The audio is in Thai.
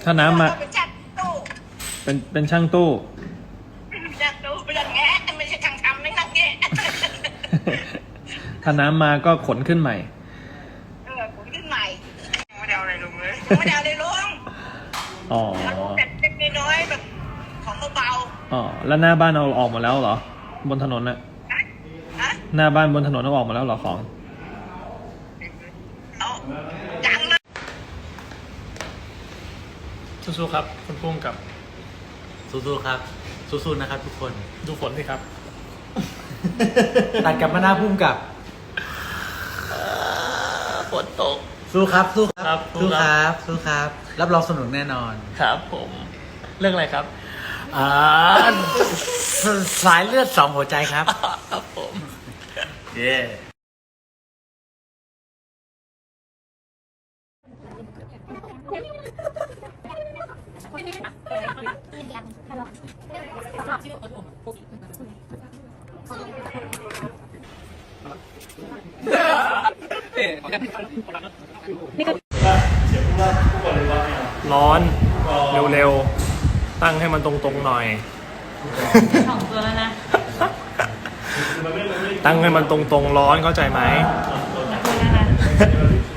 ถ้าน้ำมาเป็นช่างตู้เป็นช่างตู้ช่างตู้เป็นแงะไม่ใช่ช่างทำไม่นักแงะถ้าน้ำมาก็ขนขึ้นใหม่ผมขึ้นใหม่ไม่ได้เอาอะไรลงเลยไม่ได้เอาอะไรลงอ๋อแต่เล็กน้อยแบบของเบาอ๋อแล้วหน้าบ้านเอาออกหมดแล้วเหรอ บนถนนน่ะฮะหน้าบ้านบนถนนเอาออกหมดแล้วเหรอของเอาจังเลยสู้ๆครับคุณพุ่งกับสู้ๆครับสู้ๆนะครับทุกคนดูฝนสิครับตัดกลับมาหน้าพุ่มกับฝนตกสู้ครับสู้คครัรับบ สู้ครับสู้ครับรับรองสนุกแน่นอนครับผมเรื่องอะไรครับสายเลือดสองหัวใจครับครับผมเย่ร้อนเร็วๆตั้งให้มันตรงๆหน่อยสองตัวแล้วนะตั้งให้มันตรงๆร้อนเข้าใจไหมตัวแล้วนะ